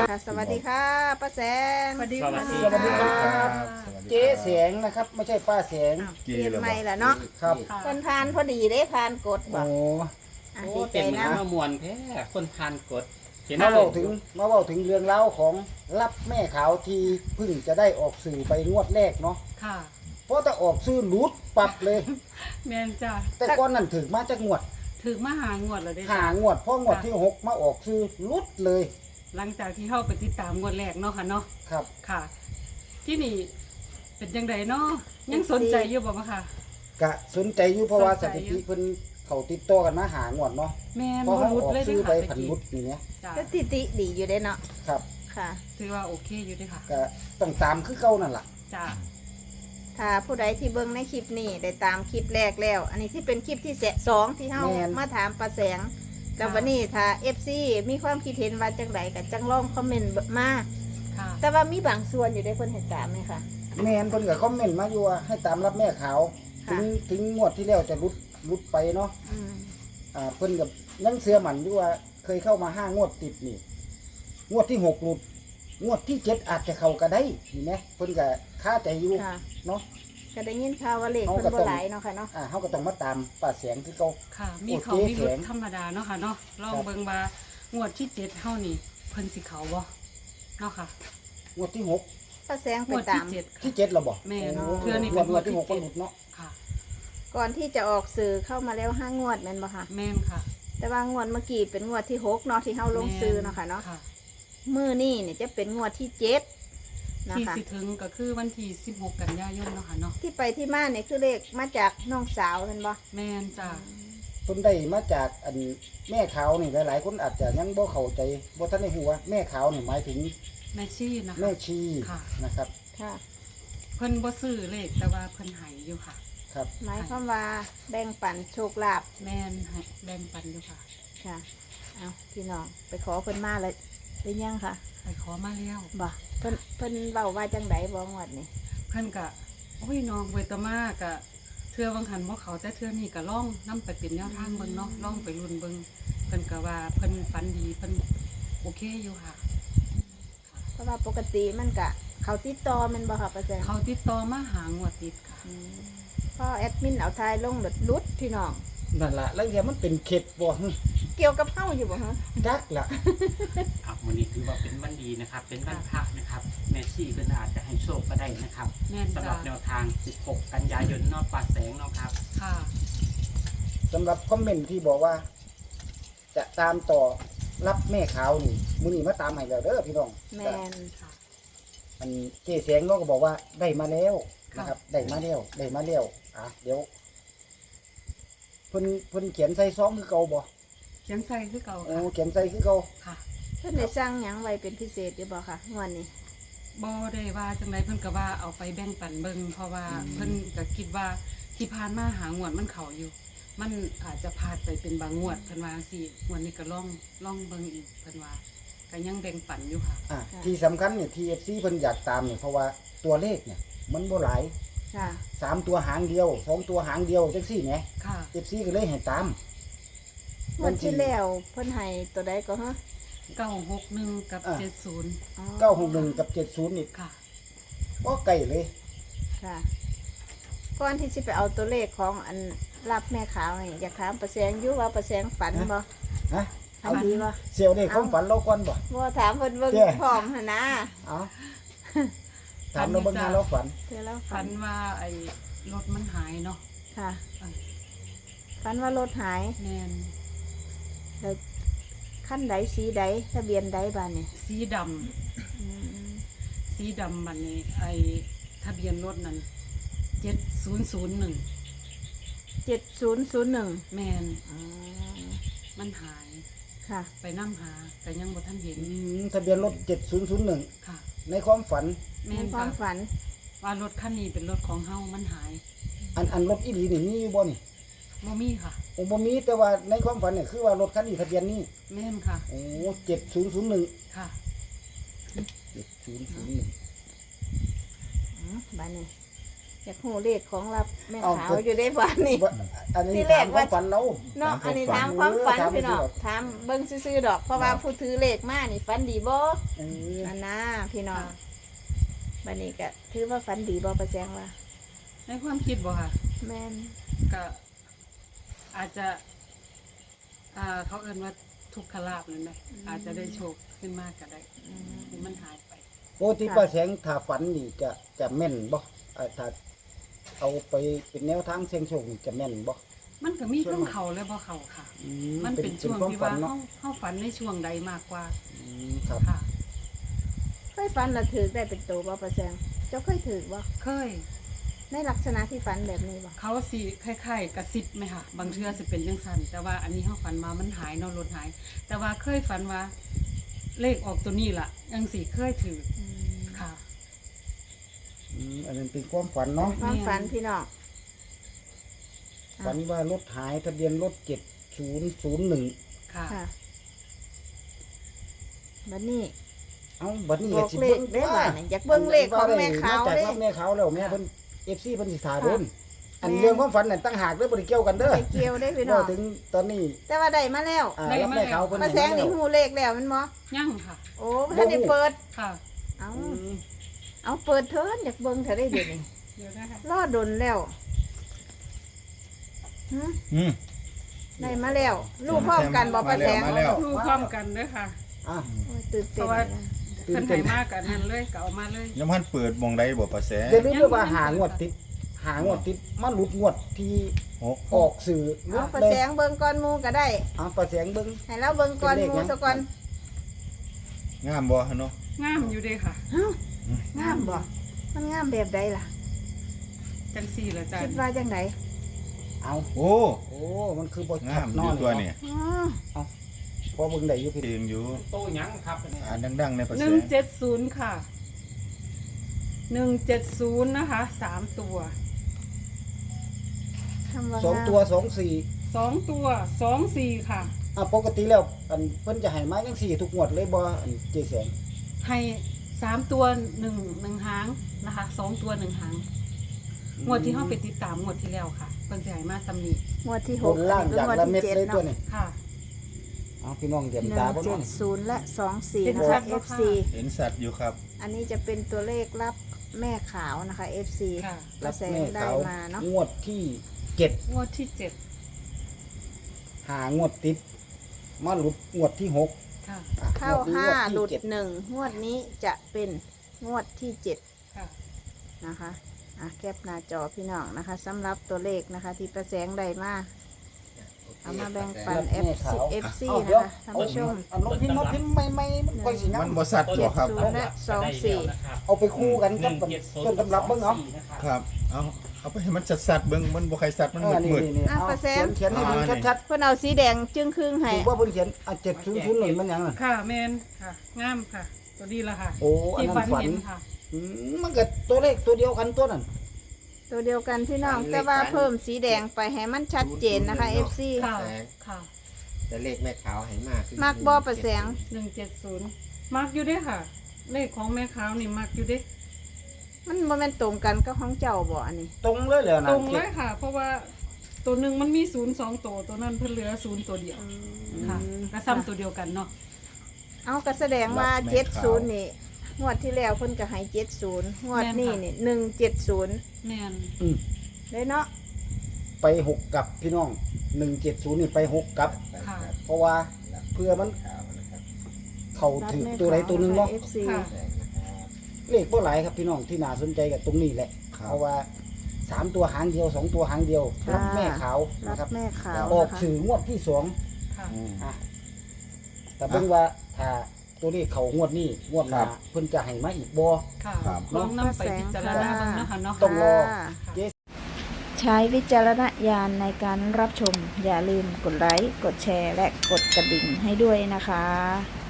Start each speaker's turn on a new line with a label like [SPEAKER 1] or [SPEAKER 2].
[SPEAKER 1] ค่ะสวัสดีค่ะป้าแสง
[SPEAKER 2] สวัสดี
[SPEAKER 3] สวัสดี
[SPEAKER 2] ค่ะ
[SPEAKER 3] สวัสดีครับ
[SPEAKER 2] เจ๊แสงนะครับไม่ใช่ป้าแสง
[SPEAKER 1] อ้าวเปลี่ยนใหม่ละเนาะ
[SPEAKER 2] ครับ
[SPEAKER 1] เพิ่นทานพอดีได้ทานกดบ่
[SPEAKER 2] โอ้
[SPEAKER 1] อ่ะ
[SPEAKER 3] โอ้
[SPEAKER 1] ดีใจ
[SPEAKER 3] เป็นเหมือน
[SPEAKER 1] นะ
[SPEAKER 3] มามวนแท้คนทานกดเห็น
[SPEAKER 2] มา
[SPEAKER 3] ไหม
[SPEAKER 2] เล่าถึงเรื่องเล่าวของรับแม่ขาวที่เพิ่งจะได้ออกสื่อไปงวดแรกเนาะ
[SPEAKER 4] ค่ะ
[SPEAKER 2] เพราะถ้าออกสื่อหลุดปรับเลย
[SPEAKER 4] แม่นจ้ะ
[SPEAKER 2] แต่ก้อนนั้นถึงมาจากงวด
[SPEAKER 4] ถึงมาหางวดแล้วได้
[SPEAKER 2] หา
[SPEAKER 4] จ้ะ
[SPEAKER 2] งวดเพราะงวดที่หกมาออกสื่อหลุดเลย
[SPEAKER 4] หลังจากที่เข้าไปติดตามงวดแรกเนาะค่ะเนาะ
[SPEAKER 2] ครับ
[SPEAKER 4] ค่ะ ที่นี่เป็นยังไงเนาะยังสนใจอยู่บ่มาค่ะ
[SPEAKER 2] กะสนใจอยู่เพราะว่า
[SPEAKER 4] ส
[SPEAKER 2] ส
[SPEAKER 4] นใจ
[SPEAKER 2] ถิ
[SPEAKER 4] อยู่
[SPEAKER 2] ติเพิ่นเขาติดต่อกันมาหางวดเนาะ
[SPEAKER 4] แม่น
[SPEAKER 2] เพราะ
[SPEAKER 4] บ่
[SPEAKER 2] เขา
[SPEAKER 4] รุด
[SPEAKER 2] ออก
[SPEAKER 4] เลย
[SPEAKER 2] ซื้
[SPEAKER 4] เด้
[SPEAKER 2] อ
[SPEAKER 4] อ
[SPEAKER 2] ไป
[SPEAKER 4] ค่ะ
[SPEAKER 2] ผันรุดอย่างเงี้ย
[SPEAKER 4] จ้ะ
[SPEAKER 1] สถิติดีอยู่ได้เนาะ
[SPEAKER 2] ครับ
[SPEAKER 1] ค่ะ
[SPEAKER 4] ถือว่าโอเคอยู่เด้อค่ะ
[SPEAKER 2] ก็ต้องตามคือเก่านั่นล่ะ
[SPEAKER 4] จ้ะ
[SPEAKER 1] ถ้าผู้ใดที่เบิ่งในคลิปนี้ได้ตามคลิปแรกแล้ว อันนี้ที่เป็นคลิปที่สองที่เฮามาถามป้าแสงแล้ววันนี้ถ้า FC มีความคิดเห็นว่าจังไดก็จังลองคอมเมนต์มา
[SPEAKER 4] ค่ะ
[SPEAKER 1] แต่ว่ามีบางส่วนอยู่ได้เพิ่นเห็นตามไหมคะ
[SPEAKER 2] แมนเพิ่นก็คอมเมนต์มาอยู่ว่าให้ตามรับแม่ขาว
[SPEAKER 1] ค่ะ
[SPEAKER 2] ถึงงวดที่แล้วจะรุดไปเนาะ
[SPEAKER 1] อืม
[SPEAKER 2] เพิ่นกับยังเสือหมันอยู่ว่าเคยเข้ามา5 งวดติดนี่งวดที่6หลุดงวดที่7อาจจะเข้าก็ได้เห็นไหมเพิ่นก็คาใจอยู่
[SPEAKER 1] ค่ะ
[SPEAKER 2] เนาะ
[SPEAKER 1] ก็ได้ยินข่าวว่าเลข
[SPEAKER 2] เอา
[SPEAKER 1] เพิ่น
[SPEAKER 2] ก็
[SPEAKER 1] บ่
[SPEAKER 2] ต้อง
[SPEAKER 1] หลายเนาะค่ะเนาะ
[SPEAKER 2] เฮาก็ต้องมาตามป้าแสงคือเก่า
[SPEAKER 4] ค่ะ มีเขา
[SPEAKER 2] โอเค
[SPEAKER 4] มีรุด
[SPEAKER 2] แข็ง
[SPEAKER 4] ธรรมดาเนาะค่ะเนาะลอง
[SPEAKER 2] ครับ
[SPEAKER 4] เบิ่งว่างวดที่7เฮานี่เพิ่นสิเขาบ่เนาะค่ะ
[SPEAKER 2] งวดที่6
[SPEAKER 1] ป้าแสง
[SPEAKER 4] ง
[SPEAKER 1] ไป
[SPEAKER 4] วด
[SPEAKER 1] ตา
[SPEAKER 4] ที่
[SPEAKER 1] ม
[SPEAKER 4] 7
[SPEAKER 2] ที่
[SPEAKER 4] ค่ะ
[SPEAKER 2] 7แล้วบ่
[SPEAKER 4] แม่น
[SPEAKER 2] โอ้
[SPEAKER 4] เทื่อนี้
[SPEAKER 2] ง
[SPEAKER 4] เป็
[SPEAKER 2] วด
[SPEAKER 4] นงวดที่
[SPEAKER 2] ที่6ก็
[SPEAKER 4] 7
[SPEAKER 2] หลุดเนาะ
[SPEAKER 4] ค่ะ
[SPEAKER 1] ก่อนที่จะออกสื่อเข้ามาแล้ว5 งวดแม่นบ่คะ
[SPEAKER 4] แม่นค่ะ
[SPEAKER 1] แต่ว่างวดเมื่อกี้เป็นงวดที่6เนาะที่เฮาลงซื้อเนาะค่ะเนาะ
[SPEAKER 4] ค่ะ
[SPEAKER 1] มื้อนี้เนี่ยจะเป็นงวดที่7นะ
[SPEAKER 4] ที่
[SPEAKER 1] คะ
[SPEAKER 4] สิถึงก็คือวันที่16 กันยายนเนาะค่ะเนาะ
[SPEAKER 1] ที่ไปที่มาเนี่ยคือเลขมาจากน้องสาวแม่นบ่
[SPEAKER 4] แม่นจ้ะ
[SPEAKER 2] เพิ่นได้มาจากอันแม่ขาวนี่หลายๆคนอาจจะยังบ่เข้าใจบ่ทันได้ฮู้ว่าแม่ขาวนี่หมายถึง
[SPEAKER 4] แม่ชีนะคะ
[SPEAKER 2] แม่ชี
[SPEAKER 4] ค่ะ
[SPEAKER 2] นะครับ
[SPEAKER 1] ค่ะ
[SPEAKER 4] เพิ่นบ่ซื้อเลขแต่ว่าเพิ่นให้อยู่ค่ะ
[SPEAKER 2] ครับ
[SPEAKER 1] หมายความว่าแบ่งปันโชคลาภ
[SPEAKER 4] แม่นให้แบ่งปันอยู่ค่ะ
[SPEAKER 1] ค่ะ เอาพี่น้องไปขอเพิ่นมาเลยเป็นยังค่ะ
[SPEAKER 4] ไปขอมาแล้ว
[SPEAKER 1] บ่เพิ่นเว้าว่าจังไดบ่งวดนี่
[SPEAKER 4] เพิ่นก็โอ้ยน้องเวตามากะเทื่อวังหันบ่เขาแต่เทื่อนี้ก็ล่องนํไปเป็นแนวทางเบิ่งเนาะล่องไปรุ่นเบิ่งเพิ่นก็ว่าเพิ่นฝันดีเพิ่นโอเคอยู่ค่ะ
[SPEAKER 1] เพราะว่าปกติมันก็เขาติดต่อแมันบ่ค่ะป้าแจง
[SPEAKER 4] เขาติดต่อมาหางวดติดค่ะ
[SPEAKER 1] อืมพอแอดมินเอาทายลงหลุดลุดพี่น้อง
[SPEAKER 2] นั่นล่ะแล้วเดี๋ยวมันเป็นเข็ดบ่ฮึ
[SPEAKER 1] เกี่ยวกับเฮาอยู่บ่ฮะ
[SPEAKER 2] จักล่ะ
[SPEAKER 3] อ่ะวันนี้ถือว่าเป็นวันดีนะครับ เป็นวันพระนะครับแม่ชีเพิ่นอาจจะให้โชคก็ได้นะครับ
[SPEAKER 4] แม่น
[SPEAKER 3] สำห
[SPEAKER 4] จ้ะ
[SPEAKER 3] รับแนวทาง 16 กันยายนเนอกป่าแสงเนาะครับ
[SPEAKER 4] ค่ะ
[SPEAKER 2] สำหรับคอมเมนต์ที่บอกว่า จะตามต่อรับแม่ขาวนี่มื้อนี้มาตามให้แล้วเด้อพี่น้อง
[SPEAKER 1] แม่น
[SPEAKER 4] ค่ะ
[SPEAKER 2] อันเจ๊แสงเนาะก็บอกว่าได้มาแล้ว
[SPEAKER 4] ค่ะ
[SPEAKER 2] นะครับ ได้มาแล้วเดี๋ยวเพิ่นเขียนใส่ซองคือเก่าบ่
[SPEAKER 4] เขียนใส่คือเก่า
[SPEAKER 2] โอ้
[SPEAKER 4] ค่ะ
[SPEAKER 2] เขียนใส่คือเก่า
[SPEAKER 4] ค่ะ
[SPEAKER 1] เพิ่นได้สร้างหยังไว้เป็นพิเศษอยู่บ่ค่ะงวดนี้
[SPEAKER 4] บ่ได้ว่าจังไดเพิ่นก็ว่าเอาไปแบ่งปันเบิ่งเพราะว่าเพิ่นก็คิดว่าที่ผ่านมาหางวดมันเข้าอยู่ มันอาจจะพลาดไปเป็นบางงวดเพิ่นว่าจังซี่งวดนี้ก็ลองเบิ่งอีกเพิ่นว่าก็ยังแบ่งปันอยู่ค่ะ
[SPEAKER 2] ที่สำคัญเนี่ย TFC เพิ่นอยากตามเนี่ยเพราะว่าตัวเลขเนี่ยมันบ่หลาย
[SPEAKER 1] ค่ะ
[SPEAKER 2] 3 ตัวหางเดียว2 ตัวหางเดียวจังซี่แหม
[SPEAKER 4] ค่ะ
[SPEAKER 2] FC ก็เลยให้ตาม
[SPEAKER 1] งวดที่แล้วเพิ่นให้ตัวใดก็ฮะ
[SPEAKER 4] 961กับ
[SPEAKER 2] อ่า
[SPEAKER 4] 70
[SPEAKER 1] อ๋อ
[SPEAKER 2] 961กับ70นี่
[SPEAKER 4] ค่ะ
[SPEAKER 2] บ่ไกลเลย
[SPEAKER 1] ค่ะก่อนที่สิไปเอาตัวเลขของอันรับแม่ขาวนี่อยากถามประแสงอยู่ว่าประแสงฝันบ่
[SPEAKER 2] ฮะ
[SPEAKER 1] ฝันดีบ่
[SPEAKER 2] เสียวเลขความฝันเราก่อนบ่
[SPEAKER 1] บ่ถามเพิ่นเบิ่ง
[SPEAKER 2] เจ้
[SPEAKER 1] พร้อมหั่นนะ
[SPEAKER 2] เอาถามเราเบิ่งหาเราฝัน
[SPEAKER 1] เดี๋ยวเราฝั
[SPEAKER 4] ฝั
[SPEAKER 1] น
[SPEAKER 4] นว่าไอ้รถมันหายเนาะ
[SPEAKER 1] ค่ะ
[SPEAKER 4] อ่ะ
[SPEAKER 1] ฝันว่ารถหาย
[SPEAKER 4] แม่น
[SPEAKER 1] แล้วขั้นใดสีใดทะเบียนใดบ้านนี่
[SPEAKER 4] สีดำ
[SPEAKER 1] อืม
[SPEAKER 4] สีดำมันนี่ไอ้ทะเบียนรถนั้น7001
[SPEAKER 1] 7001
[SPEAKER 4] แม่น
[SPEAKER 1] อ๋อ
[SPEAKER 4] มันหาย
[SPEAKER 1] ค่ะ
[SPEAKER 4] ไปนำหาแต่ยังบ่ทันเห็น
[SPEAKER 2] ทะเบียนรถ7001
[SPEAKER 4] ค่ะ
[SPEAKER 2] ในความฝัน
[SPEAKER 4] แม่
[SPEAKER 1] ใน
[SPEAKER 4] น
[SPEAKER 1] ความ
[SPEAKER 4] ค่ะ
[SPEAKER 1] ฝัน
[SPEAKER 4] ว่ารถคันนี้เป็นรถของเฮามันหาย
[SPEAKER 2] อันรถอีหลีนี่มีอยู่บ่นี่
[SPEAKER 4] บ่มีค่ะ
[SPEAKER 2] โอ้บ่มีแต่ว่าในความฝันเนี่ยคือว่ารถคันนี้ทะเบียนนี้
[SPEAKER 4] แม่นค่ะ
[SPEAKER 2] โอ้7001
[SPEAKER 4] ค่ะ
[SPEAKER 2] 7001
[SPEAKER 1] บ้านนี้อยากหูเลขของรับแม่ขาวอยู่ได้บ้านนี่
[SPEAKER 2] อันนี้
[SPEAKER 1] ที่แร
[SPEAKER 2] ถาก มค
[SPEAKER 1] ว่า
[SPEAKER 2] วามฝันเรา
[SPEAKER 1] เนาะอันนี้ถามความฝัน
[SPEAKER 2] ถาม
[SPEAKER 1] พี่น้อง
[SPEAKER 2] ความฝัน
[SPEAKER 1] ถามเบิ่งซื่อๆดอก เพราะว่าผู้ถือเลขมานี่ฝันดีบ่
[SPEAKER 2] เออ
[SPEAKER 1] อันน่ะพี่น้องบัดนี้ก็ถือว่าฝันดีบ่ประแจงว่า
[SPEAKER 4] ในความคิดบ่ค่ะ
[SPEAKER 1] แม่น
[SPEAKER 4] ก็อาจจะเขาเอิ้นว่าทุกขลาภนั่นไหมอาจจะได้โชคขึ้นมากก็ได้ที่มันหายไป
[SPEAKER 2] ปกติป้าแสงถ้าฝันนี่จะแม่นบ่ถ้าเอาไปเป็นแนวทางเสี่ยงโชคนี่จะแม่นบ่
[SPEAKER 4] มันก็มีทั้งเขาและบ่เขาค่ะ มันเป็นช่วงที่ว่าเขาฝันในช่วงใดมากกว่า
[SPEAKER 2] ครับ
[SPEAKER 4] ค่ะ
[SPEAKER 1] เคยฝันแล้วถือได้เป็นตัวบ่ประแจงเจ้าเคยถือบ่
[SPEAKER 4] เคย
[SPEAKER 1] ในลักษณะที่ฝันแบบนี้บ่
[SPEAKER 4] เขาสิคล้ายๆกระซิบไหมค่ะ บางเทื่อสิเป็นจังซั่นแต่ว่าอันนี้เขาฝันมามันหายเนาะรถหาย แต่ว่าเคยฝันว่า เลขออกตัวนี้ล่ะยังสิเคยถือค่ะ
[SPEAKER 2] อันนั้นเป็นความฝันเนาะ
[SPEAKER 1] ความฝันพี่น้อง
[SPEAKER 2] ฝันว่ารถหายทะเบียนรถ7001
[SPEAKER 4] ค่ะ
[SPEAKER 1] ค่ะบัดนี้
[SPEAKER 2] เอ้าบัดนี้
[SPEAKER 1] บ
[SPEAKER 2] ก็
[SPEAKER 1] อก
[SPEAKER 2] สิ
[SPEAKER 1] เล
[SPEAKER 2] เบิ่
[SPEAKER 1] ข
[SPEAKER 2] ง
[SPEAKER 1] ได้บ่เนี่ยอยากเบิ่งเลขของแม่ขาว
[SPEAKER 2] จาก
[SPEAKER 1] เด้
[SPEAKER 2] รับแม่ขาวแล้วแม่เพิ่น FC เพิ่นสิถาโดนอัน
[SPEAKER 1] แม่
[SPEAKER 2] เรื่องความฝันนั่นตั้งหากเด้อบ่ได้เกี่ยวกันเด้อ
[SPEAKER 1] ไปเกี่ยวได้พี่น้อง
[SPEAKER 2] ถึงตอนนี้
[SPEAKER 1] แต่ว่าได้มาแล้ว
[SPEAKER 2] รับแม่ขาวเพิ่น
[SPEAKER 1] มาแสงนี่หูเลขแล้วแมันบ่
[SPEAKER 4] ยั่งค่ะ
[SPEAKER 1] โอ้ท่านได้เปิด
[SPEAKER 4] ค่ะ
[SPEAKER 1] เอาเปิดเถินอยากเบิ่งเธอได้เดี๋ยวนี้
[SPEAKER 4] เดี๋ยวนะคะ
[SPEAKER 1] รอดนแล้วฮะ
[SPEAKER 5] อืม
[SPEAKER 1] ได้มาแล้วลูกพร้อมกันบ่ประแสง
[SPEAKER 5] มาแล้ว
[SPEAKER 4] ดูพร้อมกันด้วยค่ะ
[SPEAKER 2] อ่ะ
[SPEAKER 1] โอ้ยตื่นเต้น
[SPEAKER 4] เพราะว่า
[SPEAKER 1] เลยนะ
[SPEAKER 4] เพิ่นให้มากกันนั่นเลยก็เอามาเลย
[SPEAKER 5] ยังพันเปิดมองใดบ่ประแส
[SPEAKER 2] อย่าลืมด้วยว่าหางวดติดมันหลุดงวดที่
[SPEAKER 5] หก
[SPEAKER 2] ออกสื่อหลุ
[SPEAKER 1] เอา
[SPEAKER 2] ด
[SPEAKER 1] ประ
[SPEAKER 2] เล
[SPEAKER 1] แส
[SPEAKER 2] ย
[SPEAKER 1] งเบิ่งก่อนหมูก็ได้
[SPEAKER 2] ประแสงเบิ่ง
[SPEAKER 1] ให้เราเบิ่งก่อนหมูซะก่อน
[SPEAKER 5] งามบ่เนาะ
[SPEAKER 4] งามอยู่เด้ค่ะ
[SPEAKER 1] งามบ่มันงามแบบใดล่ะ
[SPEAKER 4] จังสี่ละจ้ะ
[SPEAKER 1] คิดว่าจังได
[SPEAKER 2] เอา
[SPEAKER 5] โอ้
[SPEAKER 2] โอ้มันคือบ่
[SPEAKER 5] งามอยู่ตัวนี่
[SPEAKER 1] อ๋อ
[SPEAKER 2] พอเบิ่งได้อยู่พี่
[SPEAKER 5] ตีมอยู่
[SPEAKER 3] โตหยังครับอันนี้
[SPEAKER 5] อ่านดังๆในประแส
[SPEAKER 4] 170ค่ะ170นะคะ3ตัว
[SPEAKER 1] คำว่า
[SPEAKER 2] สอง
[SPEAKER 1] งาม
[SPEAKER 2] ตัว24
[SPEAKER 4] 2ตัว24ค่ะ
[SPEAKER 2] ปกติแล้วอันเพิ่นจะให้มาจังซี่ทุกงวดเลยบ่อันเจแสง
[SPEAKER 4] ให้3ตัว1หางนะคะ2ตัว1หางงวดที่เฮาไปติดตามงวดที่แล้วค่ะเพิ่นสิให้มาซ้ำนี้
[SPEAKER 1] งวดที่
[SPEAKER 2] บ
[SPEAKER 1] 6
[SPEAKER 2] นล่างอย่างละเม็ดเลยตัว
[SPEAKER 1] 1
[SPEAKER 2] นี้
[SPEAKER 4] ค่ะ
[SPEAKER 2] เอาพี่น้องเดี๋ยวตาบ่น้อง
[SPEAKER 1] 7 และ
[SPEAKER 4] เห็น
[SPEAKER 1] 24 นะ
[SPEAKER 4] ชั
[SPEAKER 1] คะ
[SPEAKER 4] ดบ่คะ
[SPEAKER 1] FC
[SPEAKER 5] เห็นสัตว์อยู่ครับ
[SPEAKER 1] อันนี้จะเป็นตัวเลขรับแม่ขาวนะคะ FC
[SPEAKER 4] ค่ะ
[SPEAKER 1] กระแสได้มาเนาะ
[SPEAKER 2] งวดที่7
[SPEAKER 4] งวดที่7
[SPEAKER 2] หางวดติดมาหลุดงวดที่6
[SPEAKER 4] ค่ะ
[SPEAKER 1] เข้า
[SPEAKER 2] งวดนี้
[SPEAKER 1] 5 หลุด
[SPEAKER 2] งวที่เจ็
[SPEAKER 1] 1 งวดนี้จะเป็นงวดที่
[SPEAKER 4] ค่ะ
[SPEAKER 1] 7 นะคะแคปหน้าจอพี่น้องนะคะสำหรับตัวเลขนะคะที่ประแสงได้มาเอามาแบ่งปัน FC
[SPEAKER 2] เอา
[SPEAKER 1] นะ
[SPEAKER 2] เดี๋ยว
[SPEAKER 1] คะท่านผู้ชม
[SPEAKER 2] เอาลงพิมพ์มาพิมพ์ใหม่ๆมันค่อยสิงา
[SPEAKER 5] มัน
[SPEAKER 2] ม
[SPEAKER 5] บ่สัตว์บ่ครับ
[SPEAKER 1] 70 และ
[SPEAKER 2] เอาไปคู่กันกับต้นตำรับเบิ่งเอา
[SPEAKER 5] ครับ เอาไปให้มันสัตว์ๆเบิ่งมันบ่ใครสัตว์มัน
[SPEAKER 2] นี่
[SPEAKER 5] มืด
[SPEAKER 2] นี่เอาเขียนให้ดูชัด
[SPEAKER 1] เพื่อนเอาสีแดงจึงครึ่ง
[SPEAKER 2] ๆ
[SPEAKER 1] ให้
[SPEAKER 2] ถือว่าเพิ่นเขียน700มันหยังน่ะ
[SPEAKER 4] ค่ะแมนค่ะ งามค่ะ ตัวนี้ละค่ะ
[SPEAKER 2] โอ้อัน
[SPEAKER 4] ที่
[SPEAKER 2] นั้
[SPEAKER 4] ฝัน
[SPEAKER 2] นฝัน
[SPEAKER 4] เห็นค่ะ
[SPEAKER 2] มันก็ตัวเลขตัวเดียวกันตัวนั้น
[SPEAKER 1] ตัวเดียวกันพี่น้องแต่ว่าเพิ่มสีแดงไปให้มันชัดเจนนะคะ FC
[SPEAKER 4] ค่ะ ค่ะ
[SPEAKER 6] แต่เลขแม่ขาวให้มากคือ
[SPEAKER 1] มักบ่ประแสง
[SPEAKER 4] 170มักอยู่เด้ค่ะ เลขของแม่ขาวนี่มักอยู่เด้
[SPEAKER 1] มันบ่แม่นตรงกันกับของเจ้าบ่อันนี้
[SPEAKER 2] ตรงเลยแล้วนะ
[SPEAKER 4] ตรงเลยค่ะ เพราะว่าตัวหนึ่งมันมี02ตัวนั้นเพิ่นเหลือ0ตัวเดียวค่ะก็ซ้ำตัวเดียวกันเนาะ
[SPEAKER 1] เอาก็แสดงว่า
[SPEAKER 5] รับแม่ขาว
[SPEAKER 1] 70นี่งวดที่แล้วเพิ่นก็ให้70งวดนี้นี่170
[SPEAKER 4] แม่น
[SPEAKER 1] ได้เนาะ
[SPEAKER 2] ไป6กับพี่น้อง170นี่ไป6กับ
[SPEAKER 4] ค่ะ
[SPEAKER 2] เพราะว่าเพื่อมัน
[SPEAKER 6] ขาวนะครับ
[SPEAKER 2] เข้าถึงตัวใดตัวหนึงเนาะ
[SPEAKER 1] FC
[SPEAKER 4] ค่ะ
[SPEAKER 6] แดงนะครับ
[SPEAKER 2] เลขบ่หลายครับพี่น้องที่น่าสนใจกับตรงนี้แหละ
[SPEAKER 5] ครับ
[SPEAKER 2] เพราะว่า3ตัวหางเดียว2ตัวหางเดียวรับแม่ขาว
[SPEAKER 1] รั
[SPEAKER 2] นะ
[SPEAKER 1] บ
[SPEAKER 2] ครับ
[SPEAKER 1] แม่ขาว
[SPEAKER 2] ออก
[SPEAKER 1] นะคะ
[SPEAKER 2] สื่องวดที่2
[SPEAKER 4] ค่ะ
[SPEAKER 5] อืม
[SPEAKER 2] แต่เบิ่งว่าถ้าตัวเลขเขางวดนี้งวดหน้า
[SPEAKER 5] ครับ
[SPEAKER 2] เพิ่นจะให้มาอีกบ่
[SPEAKER 4] ค่ะ
[SPEAKER 5] ครับ
[SPEAKER 4] ลองนำไปพิจารณาเบิ่งนะคะเนาะ
[SPEAKER 2] ต้องรอ
[SPEAKER 1] ใช้วิจารณญาณในการรับชม อย่าลืมกดไลค์ กดแชร์ และกดกระดิ่งให้ด้วยนะคะ